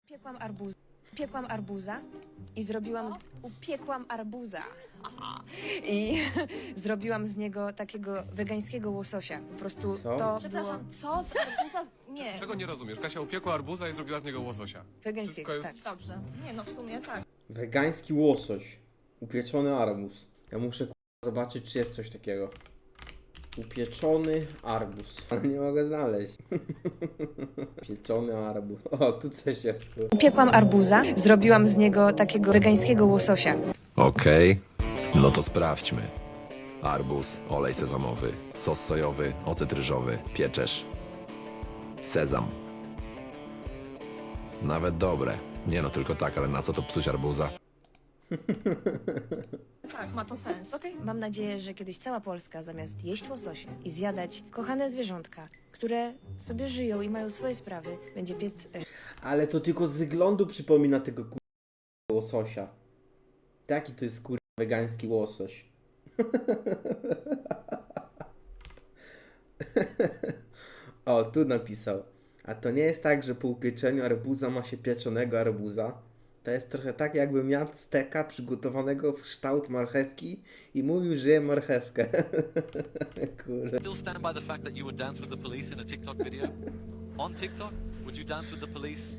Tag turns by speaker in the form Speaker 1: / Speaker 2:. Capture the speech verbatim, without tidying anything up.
Speaker 1: Piekłam arbuz. Piekłam arbuza i zrobiłam... Z... Upiekłam arbuza. Aha. I zrobiłam z niego takiego wegańskiego łososia. Po prostu
Speaker 2: Co?
Speaker 1: to
Speaker 3: Przepraszam,
Speaker 1: było
Speaker 3: co z arbuza? Nie.
Speaker 4: Czego nie rozumiesz? Kasia upiekła arbuza i zrobiła z niego łososia.
Speaker 1: wegańskiego,
Speaker 4: Wszystko
Speaker 1: tak.
Speaker 4: jest-
Speaker 3: Dobrze. Nie no, w sumie tak.
Speaker 2: Wegański łosoś. Upieczony arbuz. Ja muszę k***a, zobaczyć, czy jest coś takiego. Upieczony arbuz. Ale nie mogę znaleźć. Pieczony arbuz. O, tu coś jest. Kur...
Speaker 1: Upiekłam arbuza, zrobiłam z niego takiego wegańskiego łososia.
Speaker 5: Okej, no to sprawdźmy. Arbuz, olej sezamowy, sos sojowy, ocet ryżowy, pieczesz. Sezam. Nawet dobre. Nie no, tylko tak, ale na co to psuć arbuza?
Speaker 3: Tak, ma to sens.
Speaker 1: Okej, mam nadzieję, że kiedyś cała Polska zamiast jeść łososie i zjadać kochane zwierzątka, które sobie żyją i mają swoje sprawy, będzie piec... e,
Speaker 2: Ale to tylko z wyglądu przypomina tego kur... łososia. Taki to jest kur... wegański łosoś. O, tu napisał. A to nie jest tak, że po upieczeniu arbuza ma się pieczonego arbuza. To jest trochę tak, jakbym jadł steka przygotowanego w kształt marchewki i mówił, że je marchewkę. Kurde.
Speaker 6: Still stand by the fact that you would dance with the police in a TikTok video? On TikTok? Would you dance with the police